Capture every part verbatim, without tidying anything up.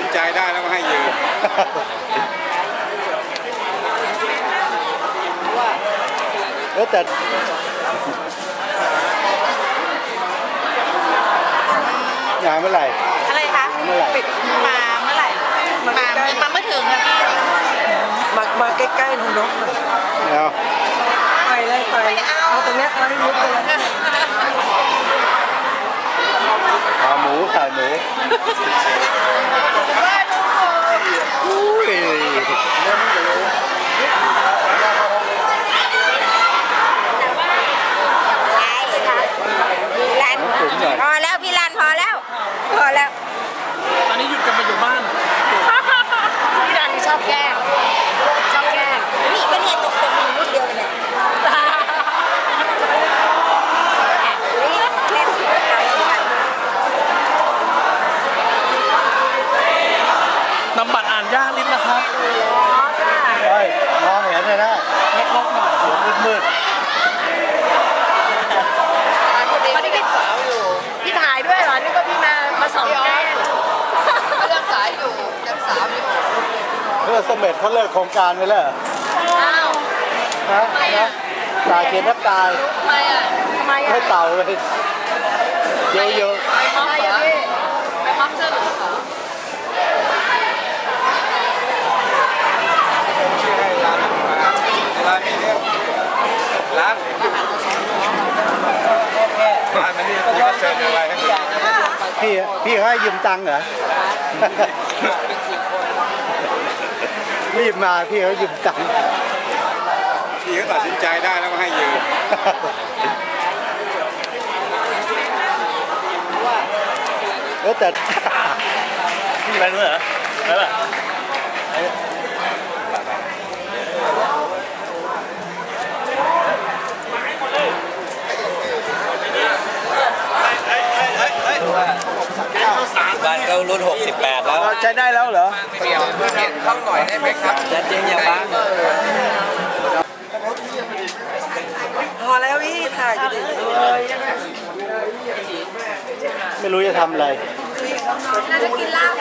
ใจได้แล้วก็ให้ยืมเออแต่งานเมื่อไหร่อะไรคะปิดมาเมื่อไหร่มามาเมื่อถึงนะพี่มามาใกล้ๆน้องนกเอาไปเลยไปเอาตรงนี้เอาให้มุดเลยขาหมูไข่หมูอุ้ยพอแล้วพี่ลันพอแล้วพอแล้วตอนนี้หยุดกันมาอยู่บ้านพี่ลันชอบแกล้งชอบแกล้งนี่ก็เนี่ยตกตกรุ่นเดียวกันเนี่ยนำบัตรอ่านยากนิดนะครับเฮ้ยมองเห็นเลยนะล็อกๆหน่อยเสียงมืดตอนนี้พี่สาวอยู่พี่ถ่ายด้วยเหรอนี่ก็พี่มามาสองแก้วเขายังสายอยู่ยังสาวอยู่เพื่อเสม็ดเขาเลิกโครงการไปแล้วอ้าวฮะนะตายเขียนแทบตายทำไมอ่ะทำไมอ่ะให้เต่าเลยเยอะๆไปม็อบเหรอไปม็อบเสื้อเหลืองเหรอร้านนี้เนี่ยร้านร้านนี้ก็เชิญอะไรให้พี่พี่ให้ยืมตังค์เหรอรีบมาพี่เขายืมตังค์พี่เขาตัดสินใจได้แล้วก็ให้ยืมเออแต่พี่ไปด้วยเหรอไปป่ะบ้านเขารุ่นหกสิบแปดแล้วใช้ได้แล้วเหรอเปลี่ยนเปลี่ยนเข้าหน่อยได้ไหมครับยัดเยียดอย่าบ้างพอแล้วพี่ถ่ายอยู่ดิไม่รู้จะทำอะไรน่าจะกินเหล้า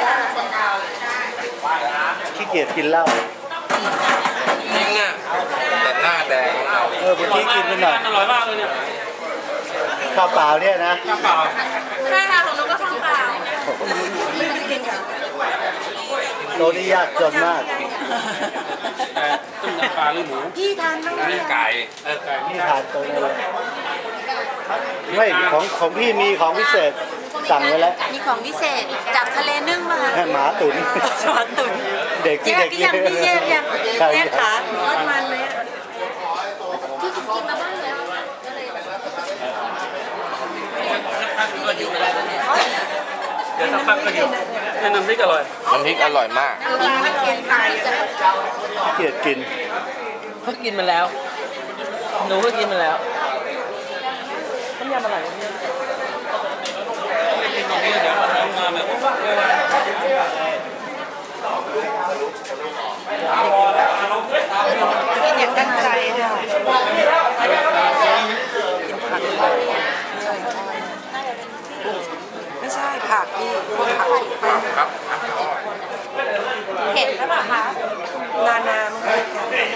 ขี้เกียจกินเหล้าจริงอ่ะแต่หน้าแดงเออเมื่อกี้กินไปหน่อยอร่อยมากเลยเนี่ยข้าวเปล่าเนี่ยนะข้าวเปล่าใช่ค่ะของนุ๊กก็ข้าวเปล่าโลนี่ยากจนมากต้มยำปลาหรือหมูพี่ทานบ้างไหมไก่เออไก่พี่ทานตัวนี้เลยไม่ของของพี่มีของพิเศษสั่งไว้แล้วมีของพิเศษจากทะเลนึ่งมาหมาตุ๋นหมาตุ๋นเด็กที่เด็กยังพี่แยกยังแยกขาทอดมันไหมที่กินมาบ้างแล้วเดี๋ยวสักพักก็หิวน้ำพริกอร่อยน้ำพริกอร่อยมากไม่กินไก่เกลียดกินเขากินมาแล้วหนูก็กินมาแล้วต้มยำอะไรเนี่ยเดี๋ยวเราทำงานแบบกินอย่างตั้งใจเลยไม่ใช่ผักพี่พวกผักครับเห็ดหรือเปล่าคะนานาไม่ใช่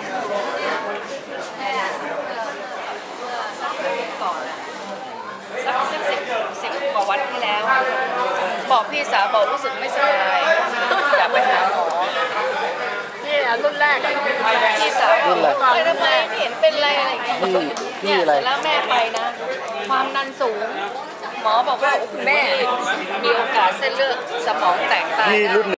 สักสิบสิบสิบกว่าวันที่แล้วบอกพี่สาวบอกรู้สึกไม่สบายอยากไปหาหมอนี่รุ่นแรกพี่สาวบอกไปทำไมเห็นเป็นอะไรอะไรอย่างเงี้ยเนี่ยแล้วแม่ไปนะความดันสูงหมอบอกว่าคุณแม่มีโอกาสเส้นเลือดสมองแตกตายนะ